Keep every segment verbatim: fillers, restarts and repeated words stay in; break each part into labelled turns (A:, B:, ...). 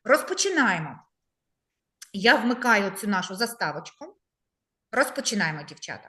A: Розпочинаємо. Я вмикаю цю нашу заставочку. Розпочинаємо, дівчата.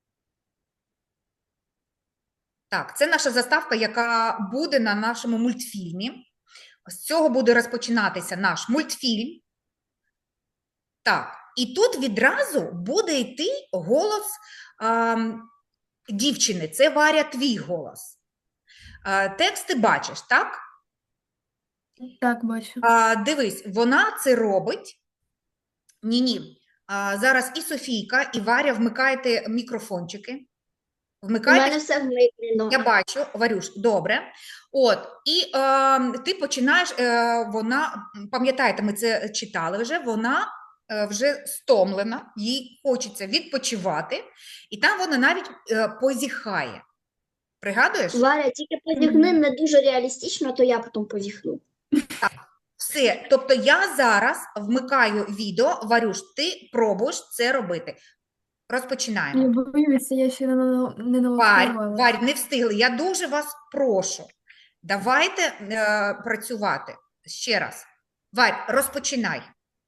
A: Так, це наша заставка, яка буде на нашому мультфільмі. З цього буде розпочинатися наш мультфільм. Так, і тут відразу буде йти голос а, дівчини. Це, Варя, твій голос. А, текст ти бачиш, так?
B: Так, бачу.
A: А, дивись, вона це робить. Ні-ні. А, зараз і Софійка, і Варя вмикаєте мікрофончики.
C: У
A: Вмикайте.
C: мене все вмикнено.
A: Я бачу, Варюш, добре. От, і е, ти починаєш, е, вона, пам'ятаєте, ми це читали вже, вона е, вже стомлена, їй хочеться відпочивати, і там вона навіть е, позіхає. Пригадуєш?
C: Варя, тільки позіхни не дуже реалістично, то я потім позіхну.
A: Все, тобто я зараз вмикаю відео, Варюш, ти пробуєш це робити. Розпочинаємо.
B: Я боюся, я ще не, на- не
A: Варь,
B: налаштувалася.
A: Варь, не встигли. Я дуже вас прошу. Давайте е, працювати. Ще раз. Варь, розпочинай.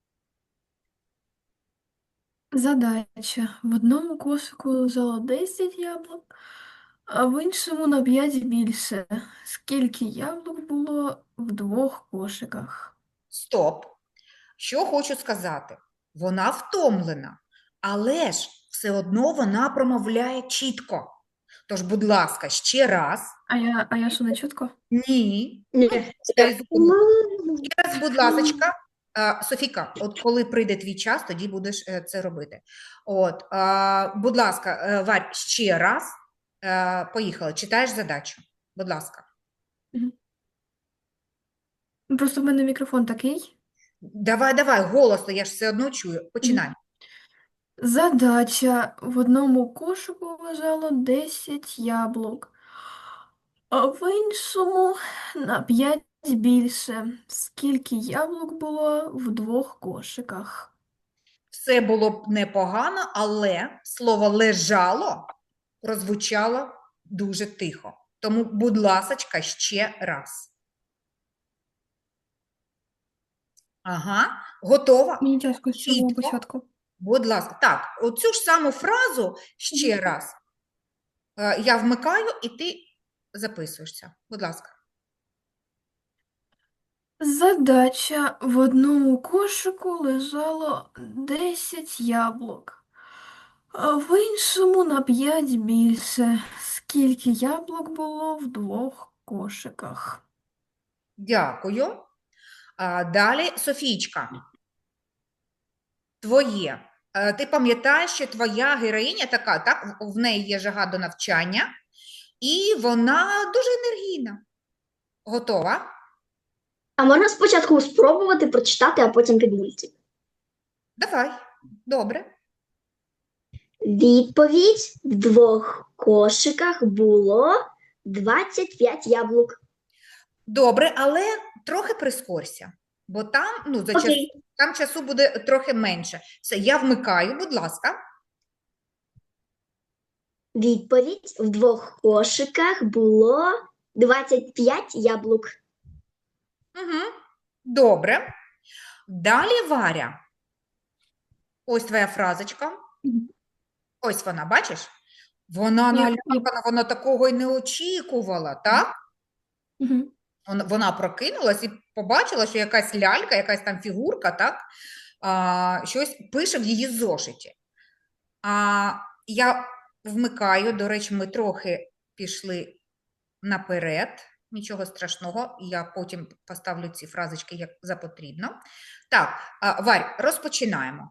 B: Задача. В одному кошику лежало десять яблук, а в іншому на п'ять більше. Скільки яблук було в двох кошиках?
A: Стоп. Що хочу сказати? Вона втомлена, але ж все одно вона промовляє чітко. Тож, будь ласка, ще раз.
B: А я, а я що, не чутко?
A: Ні.
C: Ні.
A: Ще раз, будь ласка. А, Софіка, от коли прийде твій час, тоді будеш е, це робити. От, а, будь ласка, е, Варь, ще раз. Е, Поїхали. Читаєш задачу. Будь ласка.
B: Мгм. Просто в мене мікрофон такий.
A: Давай, давай, голосно, я ж все одно чую. Починай.
B: Задача. В одному кошику лежало десять яблук, а в іншому на п'ять більше. Скільки яблук було в двох кошиках?
A: Все було б непогано, але слово лежало прозвучало дуже тихо. Тому, будь ласочка, ще раз. Ага, готова?
B: Мені тяжко з самого
A: Чітко.
B: початку.
A: Будь ласка. Так, оцю ж саму фразу ще раз е, я вмикаю, і ти записуєшся. Будь ласка.
B: Задача. В одному кошику лежало десять яблук, а в іншому на п'ять більше. Скільки яблук було в двох кошиках?
A: Дякую. А, далі, Софійчка, твоє. Е, Ти пам'ятаєш, що твоя героїня така, так? В в неї є жага до навчання, і вона дуже енергійна. Готова?
C: А можна спочатку спробувати прочитати, а потім під мультик?
A: Давай. Добре.
C: Відповідь: в двох кошиках було двадцять п'ять яблук.
A: Добре, але трохи прискорся, бо там, ну, за час,
C: Окей.
A: там часу буде трохи менше. Все, я вмикаю, будь ласка.
C: Відповідь: в двох кошиках було двадцять п'ять яблук.
A: Угу. Добре. Далі, Варя. Ось твоя фразочка.
B: Мгм.
A: Ось вона, бачиш? Вона
B: Я-
A: налякана, вона такого й не очікувала, так?
B: Мгм.
A: Вон- Вона прокинулась і побачила, що якась лялька, якась там фігурка, так? А, щось пише в її зошиті. А, я вмикаю, до речі, ми трохи пішли наперед, нічого страшного, я потім поставлю ці фразочки як за потрібно. Так, а, Варь, розпочинаємо.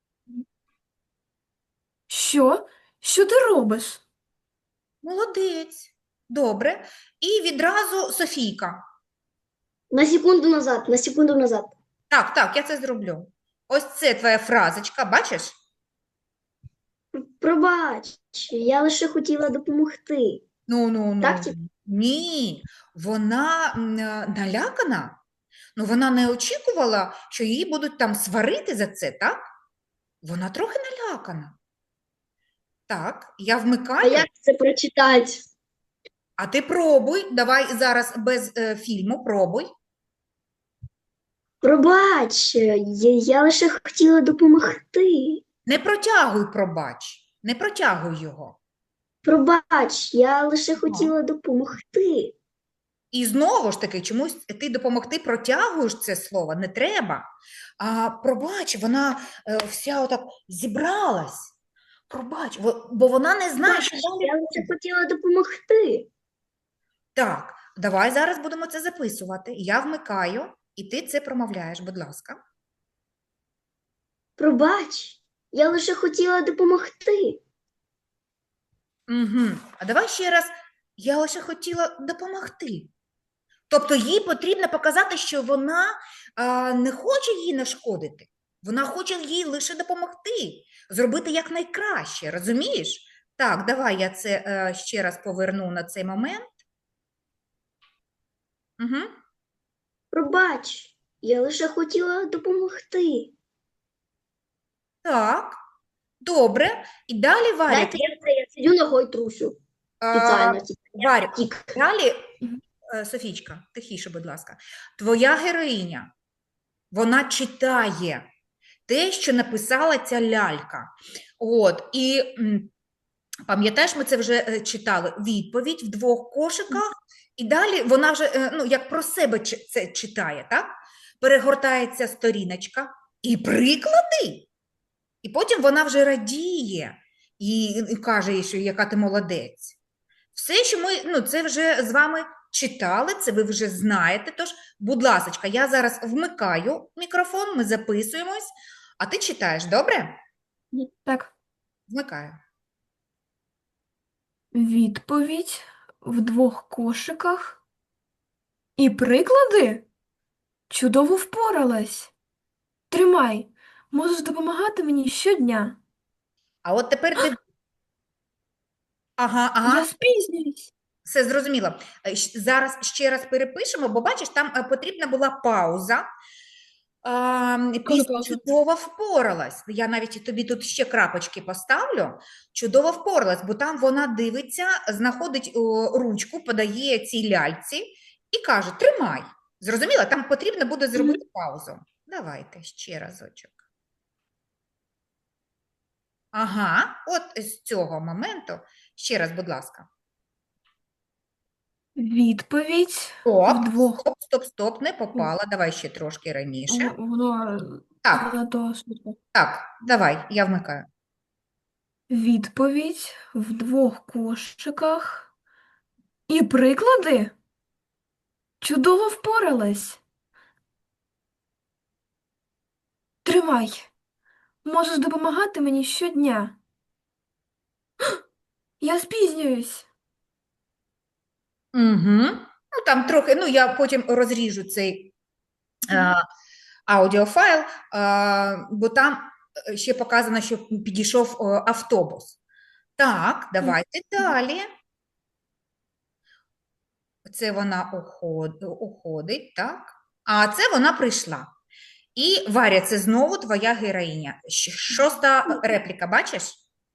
B: Що? Що ти робиш?
A: Молодець, добре. І відразу Софійка.
C: На секунду назад, на секунду назад.
A: Так, так, я це зроблю. Ось це твоя фразочка, бачиш?
C: Пробач, я лише хотіла допомогти.
A: Ну, ну, ну.
C: Так, типу?
A: Ні, вона м, е, налякана. Ну, вона не очікувала, що її будуть там сварити за це, так? Вона трохи налякана. Так, я
C: А
A: вмикаю,
C: як це прочитати?
A: а ти пробуй. Давай зараз без е, фільму пробуй.
C: Пробач, я, я лише хотіла допомогти.
A: Не протягуй, пробач, не протягуй його.
C: Пробач, я лише
A: Ага.
C: хотіла допомогти.
A: І знову ж таки, чомусь ти допомогти протягуєш це слово, не треба. А пробач, вона е, вся отак зібралась. Пробач, во- бо вона не знає,
C: Пробач,
A: що
C: я
A: далі
C: лише
A: буде.
C: хотіла допомогти.
A: Так, давай зараз будемо це записувати. Я вмикаю, і ти це промовляєш, будь ласка.
C: Пробач, я лише хотіла допомогти.
A: Угу. А давай ще раз. Я лише хотіла допомогти. Тобто їй потрібно показати, що вона а, не хоче їй нашкодити. Вона хоче їй лише допомогти, зробити якнайкраще, розумієш? Так, давай я це е, ще раз поверну на цей момент. Угу.
C: Пробач, я лише хотіла допомогти.
A: Так, добре. І далі Варя,
C: Дайте я це, я сидю ногою трусю.
A: а,
C: Спеціально. типу,
A: Варя,
C: Тік.
A: далі,
B: Мгм.
A: е, Софійчка, тихіше, будь ласка. Твоя героїня, вона читає те, що написала ця лялька. От, і м, пам'ятаєш, ми це вже е, читали, відповідь в двох кошиках, і далі вона вже, е, ну, як про себе чи- це читає, так? Перегортається сторіночка і приклади. І потім вона вже радіє і, і каже їй, що яка ти молодець. Все, що ми, ну, це вже з вами читали, це ви вже знаєте. Тож, будь ласка, я зараз вмикаю мікрофон, ми записуємось, а ти читаєш, добре?
B: Так,
A: Вмикаю.
B: відповідь в двох кошиках. І приклади? Чудово впоралась. Тримай, можеш допомагати мені щодня.
A: А от тепер див... Ага,
B: Я
A: ага,
B: спізнююсь.
A: все зрозуміло. Е, щ- Зараз ще раз перепишемо, бо бачиш, там е, потрібна була пауза. А, після
B: пауза?
A: чудово впоралась. Я навіть і тобі тут ще крапочки поставлю. Чудово впоралась, бо там вона дивиться, знаходить о, ручку, подає цій ляльці і каже: тримай. Зрозуміла? Там потрібно буде зробити паузу. Давайте ще разочок. Ага, от з цього моменту. Ще раз, будь ласка.
B: Відповідь
A: Стоп,
B: вдвох.
A: стоп, стоп, стоп, не попала. Давай ще трошки раніше.
B: В- Воно
A: Так,
B: занадто швидко.
A: так, давай, я вмикаю.
B: Відповідь в двох кошиках. І приклади? Чудово впоралась. Тримай. Можеш допомагати мені щодня. Я спізнююсь.
A: Угу. Ну, там трохи, ну, я потім розріжу цей е, аудіофайл, е, бо там е, ще показано, що підійшов е, автобус. Так, давайте далі. Це вона уход, уходить, так? А це вона прийшла. І Варя, це знову твоя героїня. Щ- Шоста репліка, бачиш?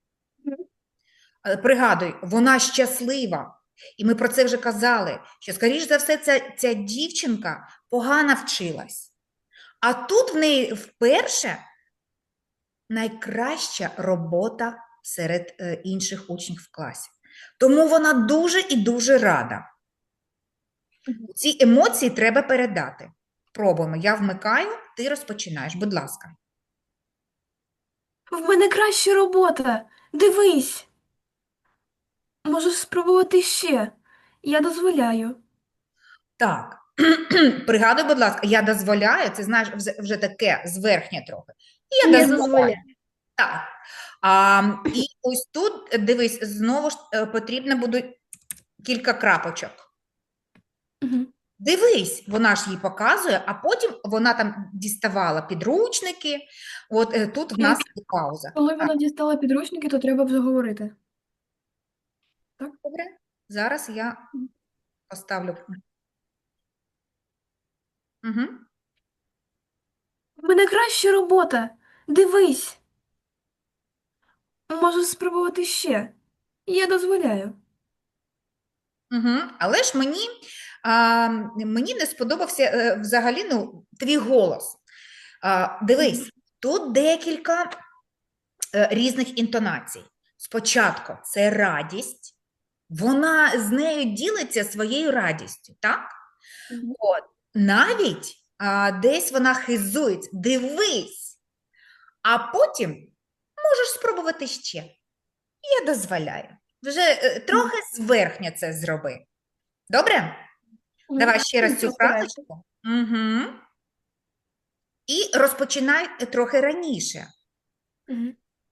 A: Е, Пригадуй, вона щаслива. І ми про це вже казали, що, скоріш за все, ця, ця дівчинка погано вчилась. А тут в неї вперше найкраща робота серед е, інших учнів в класі. Тому вона дуже і дуже рада. Ці емоції треба передати. Пробуємо. Я вмикаю, ти розпочинаєш. Будь ласка.
B: В мене краща робота. Дивись. Можеш спробувати ще. Я дозволяю.
A: Так, пригадуй, будь ласка, я дозволяю, це знаєш вже, вже таке зверхнє трохи. Я
C: Я
A: дозволяю.
C: дозволяю.
A: Так. А, і ось тут, дивись, знову ж е, потрібно буде кілька крапочок.
B: Угу.
A: Дивись, вона ж їй показує, а потім вона там діставала підручники. От е, тут в нас є пауза.
B: Коли
A: Так,
B: вона дістала підручники, то треба вже говорити.
A: добре. Зараз я поставлю. Угу.
B: В мене краща робота. Дивись. Можеш спробувати ще. Я дозволяю.
A: Угу. Але ж мені а, мені не сподобався е, взагалі ну, твій голос. А, дивись, тут декілька е, різних інтонацій. Спочатку це радість, вона з нею ділиться своєю радістю, так?
C: Мгм.
A: От, навіть а, десь вона хизується, дивись, а потім можеш спробувати ще. Я дозволяю. Вже е, трохи зверхня це зроби. Добре? Давай ще раз цю
B: Постараюся.
A: фразочку. Угу. І розпочинай трохи раніше.
B: Мгм.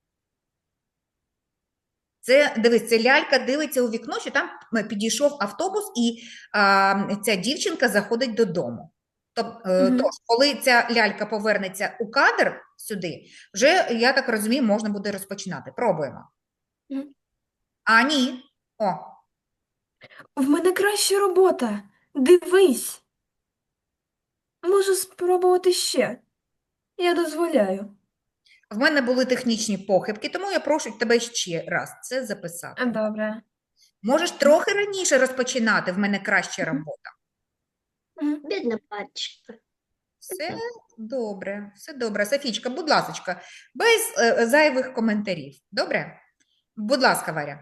A: Це, дивись, це лялька дивиться у вікно, що там е, підійшов автобус, і а, ця дівчинка заходить додому. Тоб- е,
B: Мгм.
A: Тож, коли ця лялька повернеться у кадр сюди, вже, я так розумію, можна буде розпочинати. Пробуємо.
B: Мгм.
A: А, ні. О,
B: В мене краща робота. Дивись. Можу спробувати ще. Я дозволяю.
A: в мене були технічні похибки, тому я прошу тебе ще раз це записати.
B: Добре.
A: Можеш трохи раніше розпочинати, в мене краща робота.
B: Мгм.
C: Бідна пачка.
A: Все добре, все добре. Софічка, будь ласочка, без е, зайвих коментарів. Добре? Будь ласка, Варя.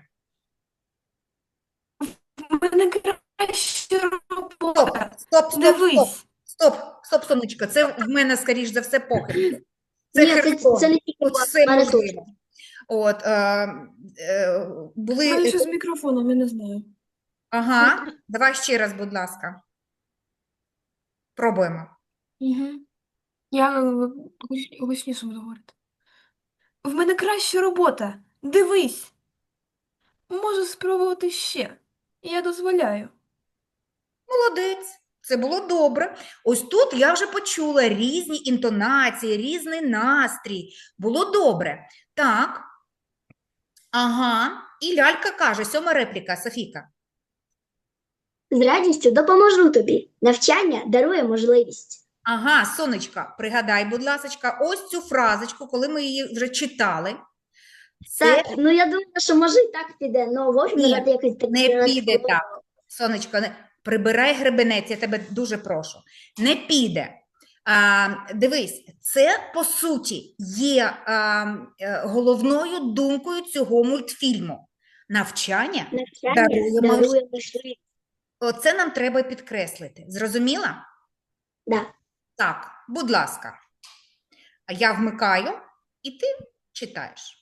B: В мене краща
A: Стоп,
B: робота.
A: стоп, стоп, стоп,
B: Дивись.
A: стоп, стоп, сонечко. Це в мене, скоріш за все, похибки. Це
C: Ні, це,
A: Херсон.
C: це не тільки
A: Тут
C: вас,
A: все
C: мене теж.
A: можливо. От, е, е,
B: У
A: були...
B: мене щось з мікрофоном, я не знаю.
A: Ага, давай ще раз, будь ласка. Пробуємо.
B: Угу. Я е, гуч- гучніше буду говорити. В мене краща робота. Дивись. Можу спробувати ще. Я дозволяю.
A: Молодець, це було добре. Ось тут я вже почула різні інтонації, різний настрій. Було добре. Так. Ага. І лялька каже, сьома репліка, Софійка.
C: З радістю допоможу тобі. Навчання дарує можливість.
A: Ага, сонечка, пригадай, будь ласочка, ось цю фразочку, коли ми її вже читали. Це
C: Так, ну я думаю, що може і так піде, але вовк
A: Ні,
C: надати якось так.
A: не піде так. Сонечко, не... прибирай гребенець, я тебе дуже прошу. Не піде. А, дивись, це, по суті, є а, е, головною думкою цього мультфільму. Навчання
C: Навчання
A: дарує мож-
C: дарує можливість.
A: Оце нам треба підкреслити. Зрозуміла?
C: Да.
A: Так, будь ласка. А я вмикаю, і ти читаєш.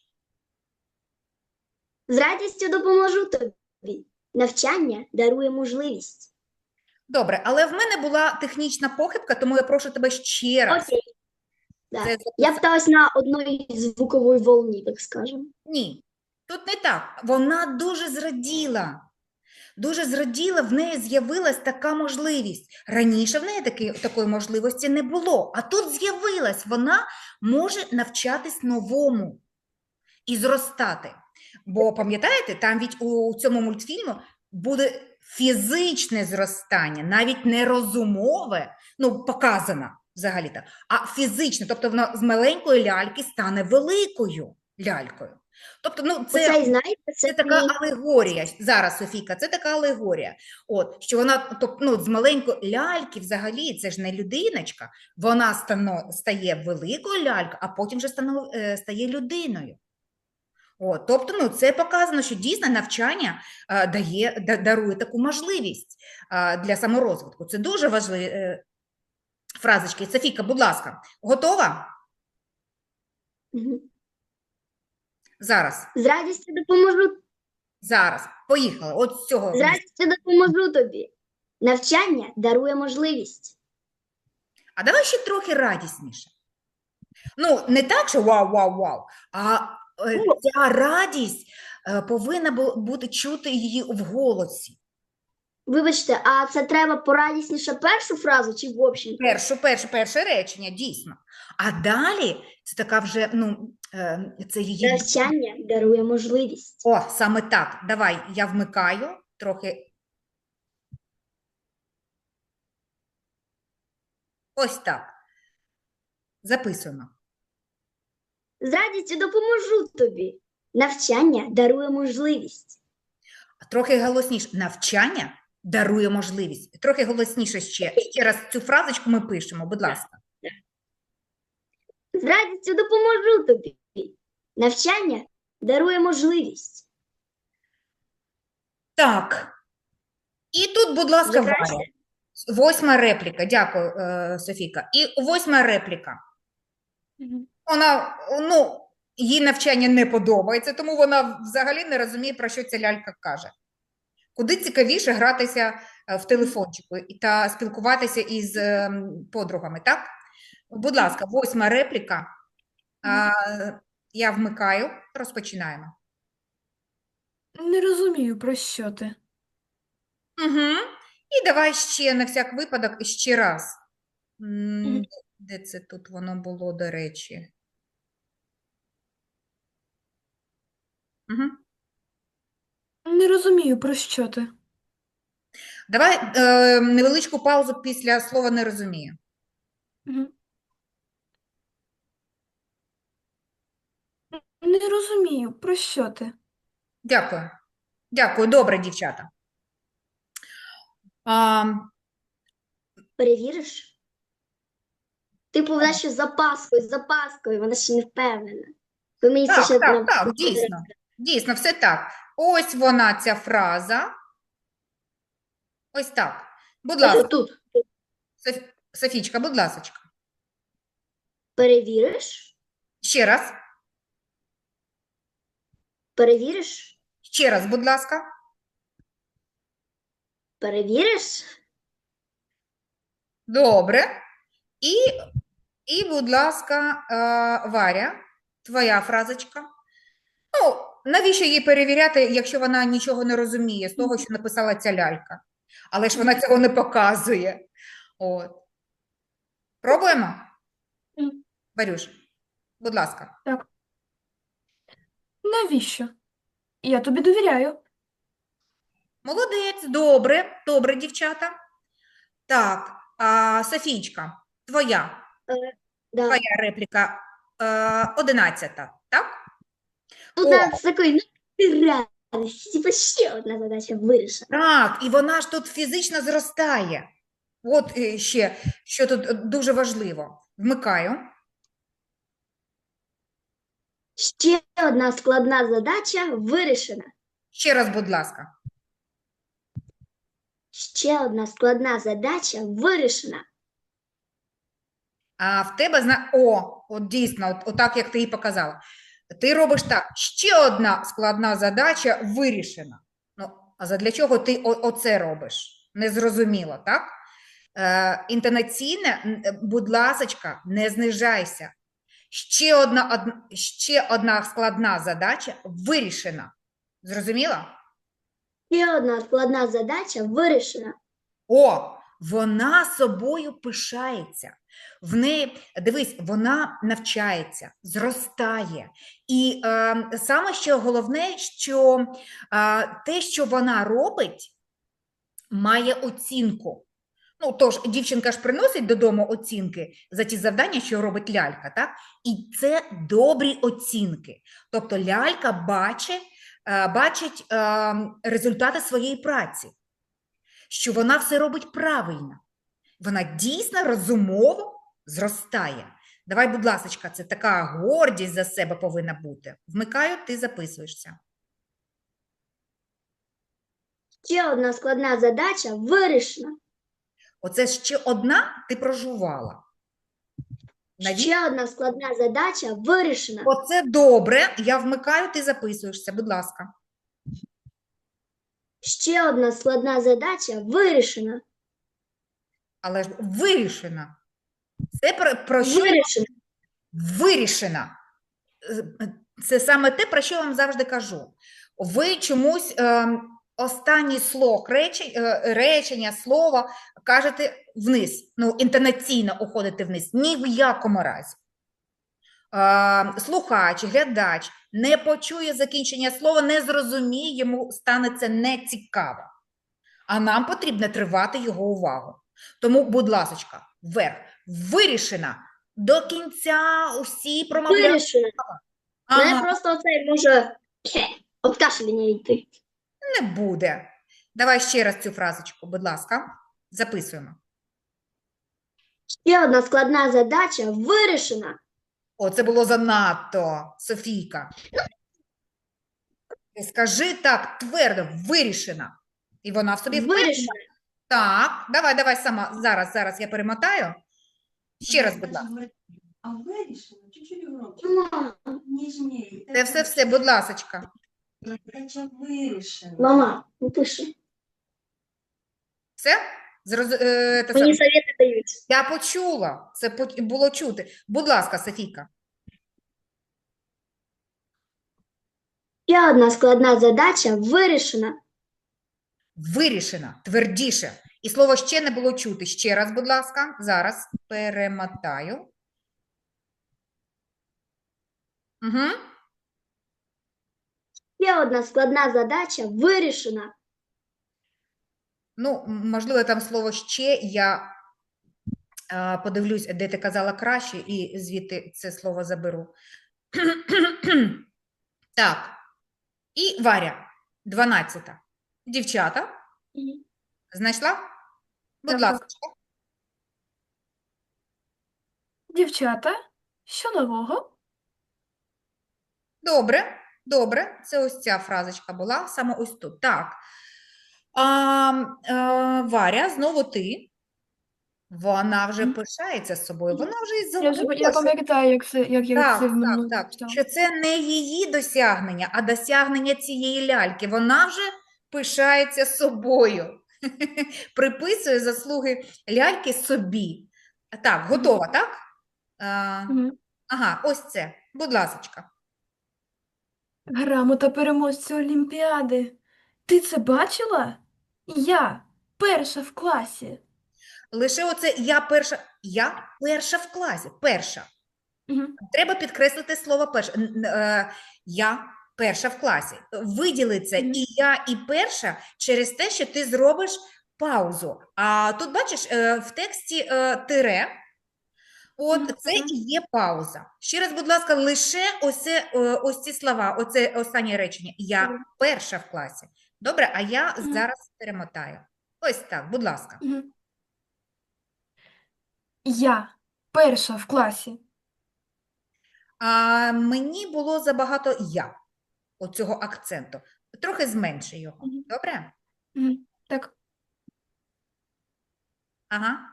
C: З радістю допоможу тобі. Навчання дарує можливість.
A: Добре, але в мене була технічна похибка, тому я прошу тебе ще раз.
C: Окей. Да.
A: Це
C: Я
A: записати.
C: питалась на одній звуковій волні, так скажемо.
A: Ні, тут не так. Вона дуже зраділа. Дуже зраділа, в неї з'явилась така можливість. Раніше в неї таки, такої можливості не було, а тут з'явилась. Вона може навчатись новому і зростати. Бо, пам'ятаєте, там від у цьому мультфільму буде фізичне зростання, навіть не розумове, ну, показано взагалі-то, а фізичне. Тобто вона з маленької ляльки стане великою лялькою. Тобто, ну, це...
C: Оце, і знаєте, це,
A: Це така
C: мій-
A: алегорія. Зараз, Софійка, це така алегорія. От, що вона, тобто, ну, з маленької ляльки взагалі, це ж не людиночка, вона стано, стає великою лялькою, а потім вже стано, е, стає людиною. От, тобто, ну, це показано, що дійсно навчання е, дає, да- дарує таку можливість е, для саморозвитку. Це дуже важливі е, фразочки. Софійка, будь ласка, готова?
C: Мгм.
A: Зараз,
C: З радістю допоможу.
A: зараз, поїхали. От з цього.
C: З радістю допоможу тобі. Навчання дарує можливість.
A: А давай ще трохи радісніше. Ну, не так, що вау-вау-вау, а е,
C: Ну.
A: ця радість е, повинна бу- бути чути її в голосі.
C: Вибачте, а це треба порадісніше першу фразу чи в общем?
A: Першу, перше, перше речення, дійсно. А далі це така вже, ну, е, це її...
C: Навчання дарує можливість.
A: О, саме так. Давай, я вмикаю трохи. Ось так. Записуємо.
C: З радістю допоможу тобі. Навчання дарує можливість.
A: Трохи голосніше. Навчання дарує можливість. Трохи голосніше ще. Ще раз цю фразочку ми пишемо, будь ласка.
C: З радістю допоможу тобі. Навчання дарує можливість.
A: Так. І тут, будь ласка,
C: Вже краще?
A: Варя. Восьма репліка. Дякую, е, Софійка. І восьма репліка. Вона, ну, їй навчання не подобається, тому вона взагалі не розуміє, про що ця лялька каже. Куди цікавіше гратися е, в телефончику і- та спілкуватися із е, подругами, так? Будь ласка, восьма репліка. А, я вмикаю, розпочинаємо.
B: Не розумію, про що ти.
A: Угу. І давай ще на всяк випадок ще раз. М,
B: Мгм.
A: Де це тут воно було, до речі? Угу.
B: Не розумію, про що ти.
A: Давай е, невеличку паузу після слова «не розумію».
B: Мгм. Не розумію, про що ти.
A: Дякую. Дякую. Добре, дівчата. А,
C: Перевіриш? Типу, вона ще з запаскою, з запаскою, вона ще не впевнена. Ви мені це
A: так,
C: ще
A: так,
C: нам
A: так, дійсно. Дійсно, все так. Ось вона, ця фраза. Ось так. Будь ласка,
C: тут.
A: Соф- Софічка, будь ласочка.
C: Перевіриш?
A: Ще раз.
C: Перевіриш?
A: Ще раз, будь ласка.
C: Перевіриш?
A: Добре. І, і будь ласка, е, Варя, твоя фразочка. Ну, навіщо їй перевіряти, якщо вона нічого не розуміє з того, що написала ця лялька? Але ж вона цього не показує. От. Пробуємо?
B: Мгм.
A: Варюш, будь ласка.
B: Навіщо? Я тобі довіряю.
A: Молодець, добре, добре, дівчата. Так, а, Софійчка, твоя,
C: Да.
A: твоя репліка е, одинадцята, так?
C: Тут
A: О.
C: надо такий, ну, ти радість. Типу, ще одна задача вирішена.
A: Так, і вона ж тут фізично зростає. От е, ще, що тут е, дуже важливо. Вмикаю.
C: Ще одна складна задача вирішена.
A: Ще раз, будь ласка.
C: Ще одна складна задача вирішена.
A: А в тебе зна... О, от дійсно, от, отак, як ти їй показала. Ти робиш так, ще одна складна задача вирішена. Ну, а задля чого ти о- оце робиш? Незрозуміло, так? Е, інтонаційне, н- е, будь ласочка, не знижайся. Ще одна, од... ще одна складна задача вирішена. Зрозуміло?
C: Ще одна складна задача вирішена.
A: О, вона собою пишається. В неї, дивись, вона навчається, зростає. І е, саме що головне, що е, те, що вона робить, має оцінку. Ну, тож, дівчинка ж приносить додому оцінки за ті завдання, що робить лялька, так? І це добрі оцінки. Тобто лялька бачить, е, бачить е, результати своєї праці, що вона все робить правильно. Вона дійсно розумово зростає. Давай, будь ласка, це така гордість за себе повинна бути. Вмикаю, ти записуєшся.
C: Ще одна складна задача вирішена.
A: Оце ще одна ти прожувала. Навіщо?
C: Ще одна складна задача вирішена.
A: Оце добре. Я вмикаю, ти записуєшся, будь ласка.
C: Ще одна складна задача вирішена.
A: Але ж вирішена. Це про, про що
C: Вирішена.
A: вирішена. Е, Це саме те, про що я вам завжди кажу. Ви чомусь е, останній слог речень, е, речення, слова кажете вниз, ну, інтонаційно уходите вниз. Ні в якому разі. Е, слухач, глядач не почує закінчення слова, не зрозуміє, йому стане це нецікаво. А нам потрібно тривати його увагу. Тому, будь ласочка, вверх. Вирішена. До кінця усі промовляють.
C: Вирішена. Мене
A: Ага,
C: просто оцей може от кашляння йти.
A: не буде. Давай ще раз цю фразочку, будь ласка. Записуємо.
C: Ще одна складна задача вирішена.
A: О, це було занадто, Софійка. Скажи так твердо, вирішена. І вона в собі впевнена.
C: Вирішена.
A: Так, давай, давай сама. Зараз, зараз я перемотаю. Ще раз, будь ласка.
D: А вирішено чуть-чуть громче,
C: Мама,
D: ніжніше.
A: Це все, все, будь ласочка.
D: Задача вирішена.
C: мама, не пиши.
A: Все? Зроз... е, те
C: Мені
A: саме.
C: совєти дають.
A: Я почула, це по- було чути. Будь ласка, Софійка.
C: Ще одна складна задача вирішена.
A: Вирішена, твердіше. І слово ще не було чути. Ще раз, будь ласка. Зараз перемотаю. Угу.
C: Ще одна складна задача вирішена.
A: Ну, м, можливо, там слово ще я е, подивлюсь, де ти казала краще, і звідти це слово заберу. Так. І Варя, дванадцята. Дівчата, знайшла? Будь
B: Так,
A: ласка.
B: так. Дівчата, що нового?
A: Добре, добре. Це ось ця фразочка була, саме ось тут. Так. А, е, Варя, знову ти. Вона вже
B: Мгм.
A: пишається з собою, вона вже й
B: Я вже
A: забула,
B: я
A: що
B: пам'ятаю, як це, як я
A: Так,
B: це в
A: так,
B: минулому
A: так.
B: читала.
A: Що це не її досягнення, а досягнення цієї ляльки. Вона вже пишається собою. Приписує заслуги ляльки собі. Так, готова, так? А,
B: Мгм.
A: ага, ось це. Будь ласочка.
B: Грамота переможця Олімпіади. Ти це бачила? Я перша в класі.
A: Лише оце я перша. Я перша в класі. Перша.
B: Мгм.
A: Треба підкреслити слово перша. Н- н- е, Я перша в класі. Виділи це
B: Мгм.
A: і я, і перша через те, що ти зробиш паузу. А тут, бачиш, е, в тексті е, тире, от
B: Мгм.
A: це і є пауза. Ще раз, будь ласка, лише ось, це, е, ось ці слова, оце останнє речення. Я
B: Добре.
A: перша в класі. Добре, а я
B: Мгм.
A: зараз перемотаю. Ось так, будь ласка.
B: Мгм. Я перша в класі.
A: А мені було забагато я, оцього акценту. Трохи зменши його.
B: Мгм.
A: Добре?
B: Мгм. Так,
A: Ага.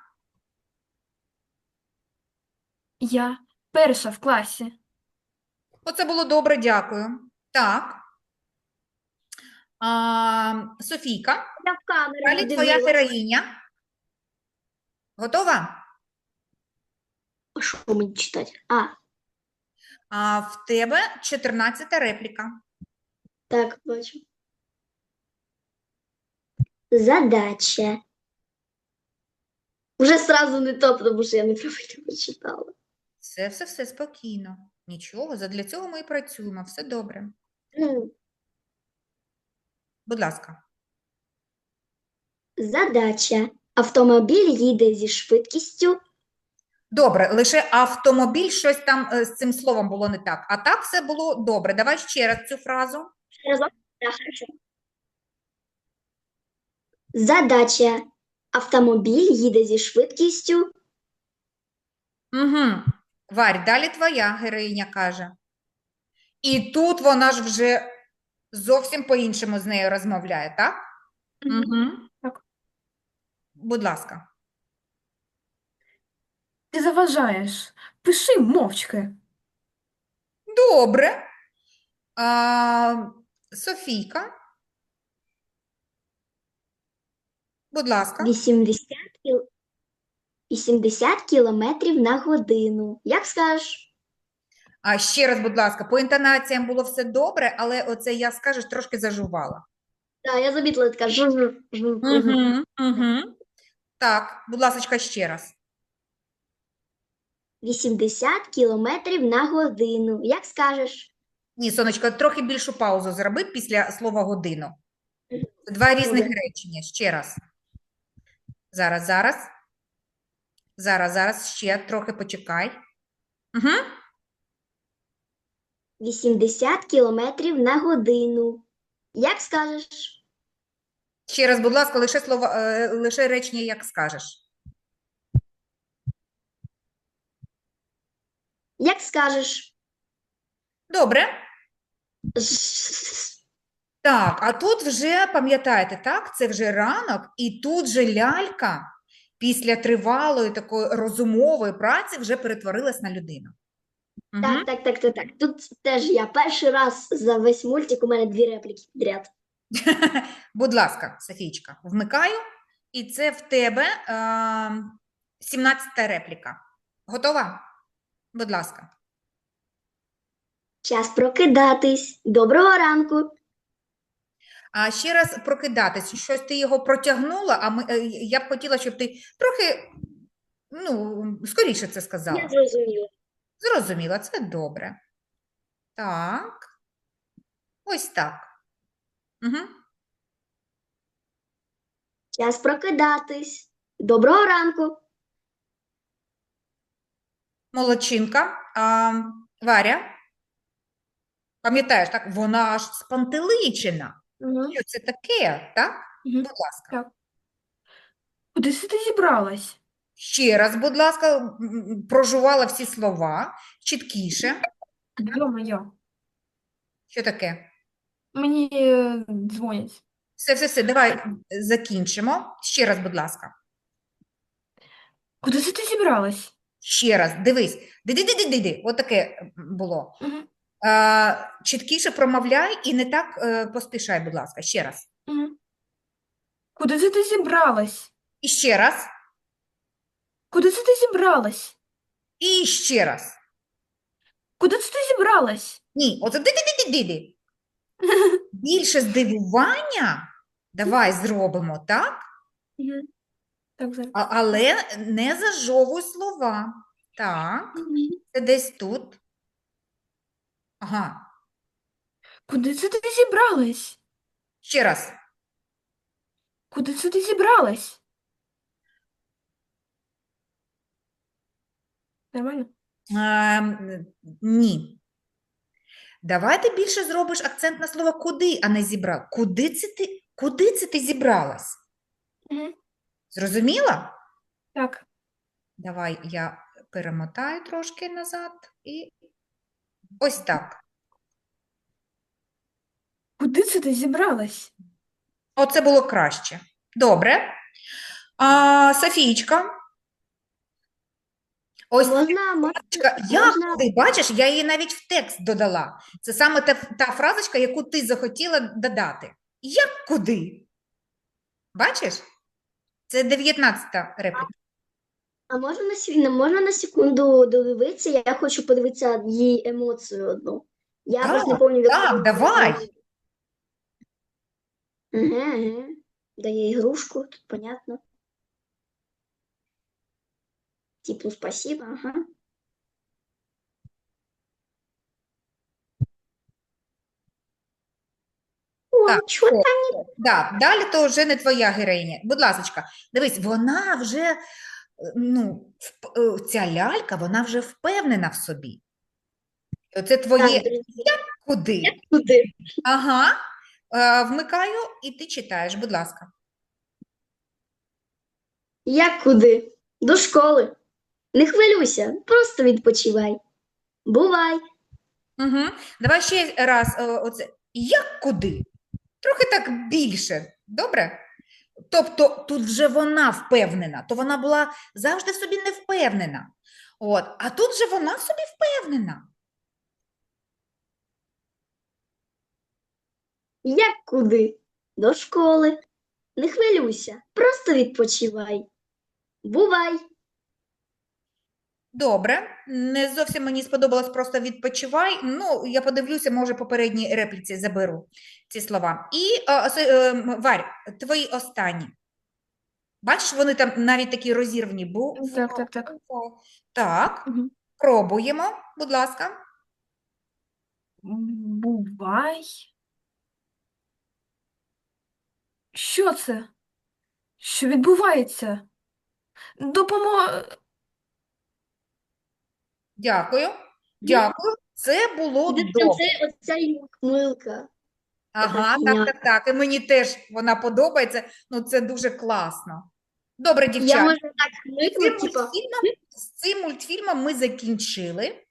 B: я перша в класі.
A: Оце було добре, дякую. Так. А, Софійка,
C: Я в камеру
A: далі твоя
C: подивилась.
A: героїня. Готова?
C: А що мені читати? А,
A: А в тебе чотирнадцята репліка.
C: так, бачу. Задача. Уже сразу не то, тому що я неправильно прочитала.
A: Все, все, все спокійно. Нічого, задля цього ми і працюємо. Все добре.
C: Ну,
A: Будь ласка.
C: задача. Автомобіль їде зі швидкістю.
A: Добре, лише автомобіль, щось там е, з цим словом було не так. А так все було добре. Давай ще раз цю фразу.
C: Разок? Да, хорошо. Задача. Автомобіль їде зі швидкістю.
A: Угу. Варь, далі твоя героїня каже. І тут вона ж вже зовсім по-іншому з нею розмовляє, так?
B: Мгм.
A: Угу.
B: Так.
A: Будь ласка.
B: Ти заважаєш. Пиши мовчки.
A: Добре. А, Софійка. Будь ласка.
C: вісімдесят, кіл... вісімдесят кілометрів на годину. Як скажеш?
A: А ще раз, будь ласка, по інтонаціям було все добре, але оце я, скажеш, трошки зажувала.
C: Так, я замітила така жу-жу, жу, жу.
A: Угу, угу. Так, будь ласка, ще раз.
C: вісімдесят кілометрів на годину. Як скажеш?
A: Ні, сонечко, трохи більшу паузу зроби після слова годину. Це два різних
C: Добре.
A: речення. Ще раз. Зараз, зараз. Зараз, зараз, ще трохи почекай. Угу.
C: вісімдесят кілометрів на годину. Як скажеш?
A: Ще раз, будь ласка, лише слова, е, лише речення, як скажеш.
C: Як скажеш.
A: Добре.
C: З-
A: Так, а тут вже, пам'ятаєте, так, це вже ранок, і тут же лялька після тривалої такої розумової праці вже перетворилась на людину. Угу.
C: Так, так, так, так, так. Тут теж я перший раз за весь мультик у мене дві репліки підряд.
A: Будь ласка, Софійчка, вмикаю, і це в тебе е, сімнадцята репліка. Готова? Будь ласка.
C: Час прокидатись. Доброго ранку.
A: А ще раз прокидатись, щось ти його протягнула, а ми, е, я б хотіла, щоб ти трохи, ну, скоріше це
C: Я
A: сказала.
C: зрозуміла.
A: Зрозуміла, це добре. Так, ось так. Угу.
C: Час прокидатись. Доброго ранку.
A: Молодчинка. А, Варя, пам'ятаєш, так, вона аж спантеличена.
B: Угу.
A: Що це таке, так?
B: Угу.
A: Будь ласка.
B: Куди це ти зібралась?
A: Ще раз, будь ласка, м, м, прожувала всі слова, чіткіше.
B: Йо-моє.
A: Що таке?
B: Мені е, дзвонять.
A: Все, все, все, давай м, закінчимо. Ще раз, будь ласка.
B: Куди це ти зібралась?
A: Ще раз, дивись. Диди-диди-диди. Отаке було.
B: Угу.
A: А, чіткіше промовляй і не так е, поспішай, будь ласка. Ще раз.
B: Угу. Куди це ти зібралась?
A: І ще раз.
B: Куди це ти зібралась?
A: І ще раз.
B: Куди це ти зібралась?
A: Ні, оце диди-диди-диди. Більше здивування давай зробимо, так?
B: Угу. Так, зараз.
A: А, але не зажовуй слова. Так, це десь тут. Ага.
B: Куди це ти зібралась?
A: Ще раз.
B: Куди це ти зібралась? Нормально?
A: Ем, ні. Давай ти більше зробиш акцент на слово куди, а не зібрав. Куди це ти, куди це ти зібралась?
B: Угу.
A: Зрозуміла?
B: Так.
A: Давай я перемотаю трошки назад і ось так.
B: Куди це ти зібралась?
A: Оце було краще. Добре. А, Софійчка. Ось
C: Можна, можна,
A: фразочка, як
C: можна.
A: куди, бачиш, я її навіть в текст додала. Це саме та, та фразочка, яку ти захотіла додати. Як куди? Бачиш? Це дев'ятнадцята репліка.
C: А можна на, сі- можна на секунду додивитися? Я хочу подивитися її емоцію одну. Я
A: Так,
C: просто не пам'ятаю, в
A: так,
C: якому-
A: давай.
C: Ага, ага. Дає ігрушку, тут понятно. Типу, спасибо, ага. О,
A: Так,
C: чого
A: о,
C: там?
A: Да, далі то вже не твоя героїня. Будь ласочка, дивись, вона вже, е, ну, вп- е, ця лялька, вона вже впевнена в собі. Оце твоє
C: Так, друзі,
A: куди?
C: куди?
A: Ага, е, вмикаю і ти читаєш, будь ласка.
C: Як куди? До школи. Не хвилюйся, просто відпочивай. Бувай.
A: Угу. Давай ще раз е, оце. Як куди? Трохи так більше, добре? Тобто тут вже вона впевнена, то вона була завжди в собі не впевнена. От, а тут же вона в собі впевнена.
C: Як куди? До школи. Не хвилюйся, просто відпочивай. Бувай.
A: Добре, не зовсім мені сподобалось просто відпочивай. Ну, я подивлюся, може, попередній репліці заберу ці слова. І, е, Со- е, м, Варь, твої останні. Бачиш, вони там навіть такі розірвані. Бу...
B: Так, так, так.
A: Так,
B: Угу.
A: пробуємо, будь ласка.
B: Бувай. Що це? Що відбувається? Допомо...
A: Дякую. Дякую. Це було
C: Це,
A: добре.
C: це оця й ухмилка.
A: Ага, так,
C: фігня.
A: так, так. І мені теж вона подобається. Ну, це дуже класно. Добре,
C: Я
A: дівчата.
C: можу так
A: З цим
C: хмикнути, типа.
A: мультфільмом, з цим мультфільмом ми закінчили.